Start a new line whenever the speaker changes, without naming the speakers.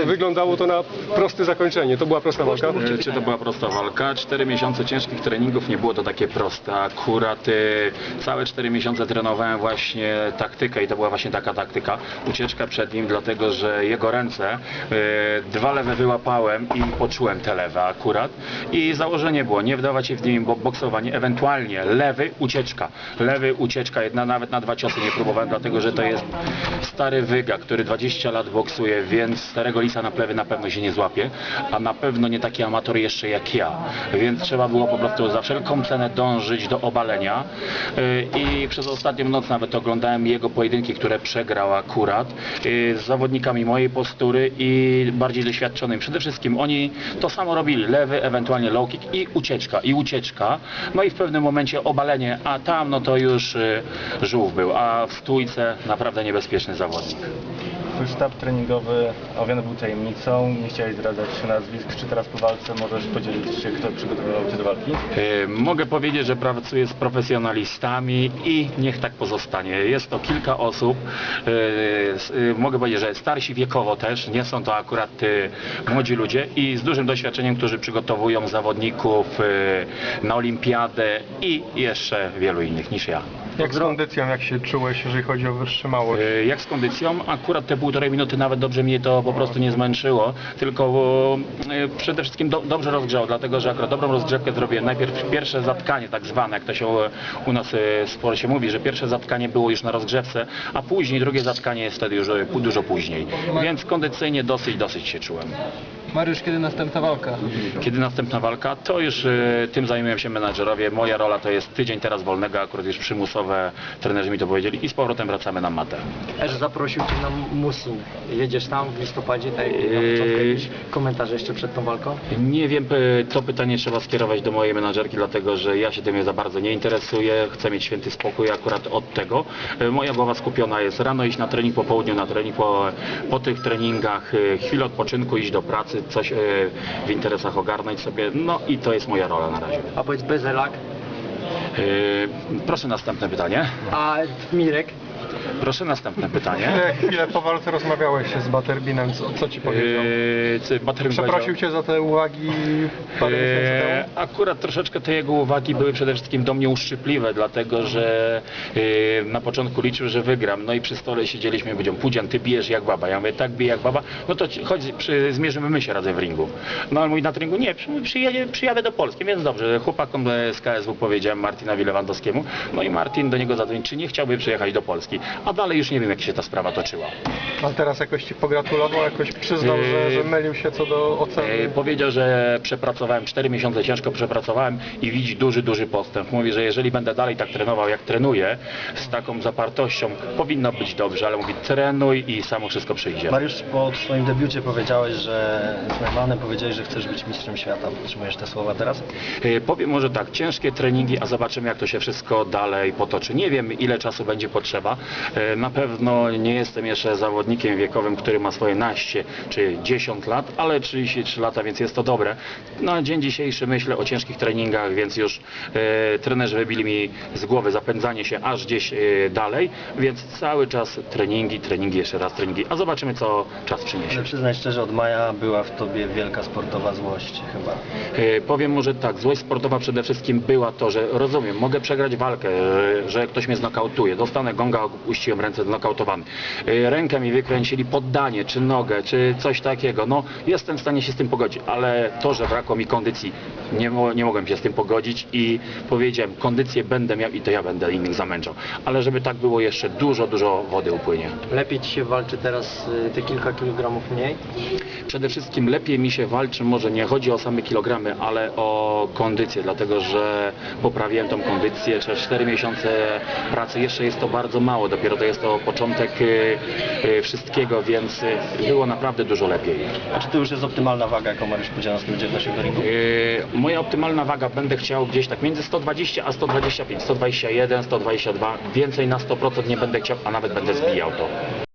wyglądało to na proste zakończenie. To była prosta walka?
Czy to była prosta walka? 4 miesiące ciężkich treningów, nie było to takie proste. Akurat całe 4 miesiące trenowałem właśnie taktykę i to była właśnie taka taktyka. Ucieczka przed nim, dlatego że jego ręce, 2 lewe wyłapałem i poczułem te lewe akurat. I założenie było nie wdawać się w nim boksowanie, ewentualnie lewy, ucieczka. Lewy, ucieczka, nawet na 2 ciosy nie próbowałem, dlatego że to jest stary wyga, który 20 lat boksuje, więc starego lisa na plewy na pewno się nie złapie, a na pewno nie taki amator jeszcze jak ja, więc trzeba było po prostu za wszelką cenę dążyć do obalenia i przez ostatnią noc nawet oglądałem jego pojedynki, które przegrał akurat z zawodnikami mojej postury i bardziej doświadczonymi. Przede wszystkim oni to samo robili, lewy, ewentualnie low kick i ucieczka, no i w pewnym momencie obalenie, a tam no to już żółw był, a w stójce naprawdę niebezpieczny zawodnik.
Twój sztab treningowy owiany był tajemnicą, nie chciałeś zdradzać nazwisk. Czy teraz po walce możesz podzielić się, kto przygotowywał Cię do walki?
Mogę powiedzieć, że pracuję z profesjonalistami i niech tak pozostanie. Jest to kilka osób, mogę powiedzieć, że starsi wiekowo też, nie są to akurat młodzi ludzie i z dużym doświadczeniem, którzy przygotowują zawodników na olimpiadę i jeszcze wielu innych niż ja.
Jak z kondycją, jak się czułeś, jeżeli chodzi o wytrzymałość?
Jak z kondycją? Akurat te 1,5 minuty nawet dobrze mnie to po prostu nie zmęczyło, tylko przede wszystkim dobrze rozgrzało, dlatego że akurat dobrą rozgrzewkę zrobiłem. Najpierw pierwsze zatkanie tak zwane, jak to się u nas w sporcie mówi, że pierwsze zatkanie było już na rozgrzewce, a później drugie zatkanie jest wtedy już dużo później. Więc kondycyjnie dosyć się czułem.
Mariusz, kiedy następna walka?
Kiedy następna walka? To już tym zajmują się menadżerowie. Moja rola to jest tydzień teraz wolnego, akurat już przymusowe, trenerzy mi to powiedzieli i z powrotem wracamy na matę.
Też zaprosił Cię na Musin. Jedziesz tam w listopadzie, tak na początku jakieś komentarze jeszcze przed tą walką?
Nie wiem, to pytanie trzeba skierować do mojej menadżerki, dlatego że ja się tym za bardzo nie interesuję, chcę mieć święty spokój akurat od tego. Moja głowa skupiona jest rano iść na trening, po południu na trening, po tych treningach chwilę odpoczynku, iść do pracy, coś w interesach ogarnąć sobie, no i to jest moja rola na razie.
A powiedz Bezelak,
Proszę następne pytanie.
a Mirek?
Proszę następne pytanie.
Chwilę po walce rozmawiałeś się z Butterbinem, co Ci powiedział? Przeprosił Cię za te uwagi parę miesięcy temu?
Akurat troszeczkę te jego uwagi były przede wszystkim do mnie uszczypliwe, dlatego że na początku liczył, że wygram. No i przy stole siedzieliśmy i powiedział: Pudzian, ty bijesz jak baba. Ja mówię: tak, biję jak baba. No to chodź, zmierzymy się razem w ringu. No ale mówi na treningu: nie, przyjadę do Polski, więc dobrze. Chłopakom z KSW powiedziałem, Martinowi Lewandowskiemu. No i Martin do niego zadzwonił, czy nie chciałby przyjechać do Polski. A dalej już nie wiem, jak się ta sprawa toczyła.
A teraz jakoś Ci pogratulował, jakoś przyznał, że mylił się co do oceny?
Powiedział, że przepracowałem 4 miesiące, ciężko przepracowałem i widzi duży postęp. Mówi, że jeżeli będę dalej tak trenował, jak trenuję, z taką zapartością, powinno być dobrze, ale mówi: trenuj i samo wszystko przyjdzie.
Mariusz, po swoim debiucie powiedziałeś, że z Neumannem powiedziałeś, że chcesz być mistrzem świata. Podtrzymujesz te słowa teraz?
Powiem może tak, ciężkie treningi, a zobaczymy, jak to się wszystko dalej potoczy. Nie wiem, ile czasu będzie potrzeba. Na pewno nie jestem jeszcze zawodnikiem wiekowym, który ma swoje naście czy 10 lat, ale 33 lata, więc jest to dobre. Na dzień dzisiejszy myślę o ciężkich treningach, więc już trenerzy wybili mi z głowy zapędzanie się aż gdzieś dalej, więc cały czas treningi, jeszcze raz treningi, a zobaczymy, co czas przyniesie.
Ale przyznaj szczerze, od maja była w tobie wielka sportowa złość chyba.
Powiem może tak, złość sportowa przede wszystkim była to, że rozumiem, mogę przegrać walkę, że ktoś mnie znokautuje, dostanę gonga, uściłem ręce, znokautowany. Rękę mi wykręcili, poddanie, czy nogę, czy coś takiego. No, jestem w stanie się z tym pogodzić, ale to, że brakło mi kondycji, nie mogłem się z tym pogodzić i powiedziałem: kondycję będę miał i to ja będę innych zamęczał. Ale żeby tak było, jeszcze dużo wody upłynie.
Lepiej Ci się walczy teraz te kilka kilogramów mniej?
Przede wszystkim lepiej mi się walczy, może nie chodzi o same kilogramy, ale o kondycję, dlatego że poprawiłem tą kondycję. 4 miesiące pracy, jeszcze jest to bardzo mało, dopiero to jest to początek wszystkiego, więc było naprawdę dużo lepiej.
A czy to już jest optymalna waga, jaką Mariusz Pudzianowski będzie wnosił do ringu?
Moja optymalna waga, będę chciał gdzieś tak między 120 a 125, 121, 122, więcej na 100% nie będę chciał, a nawet będę zbijał to.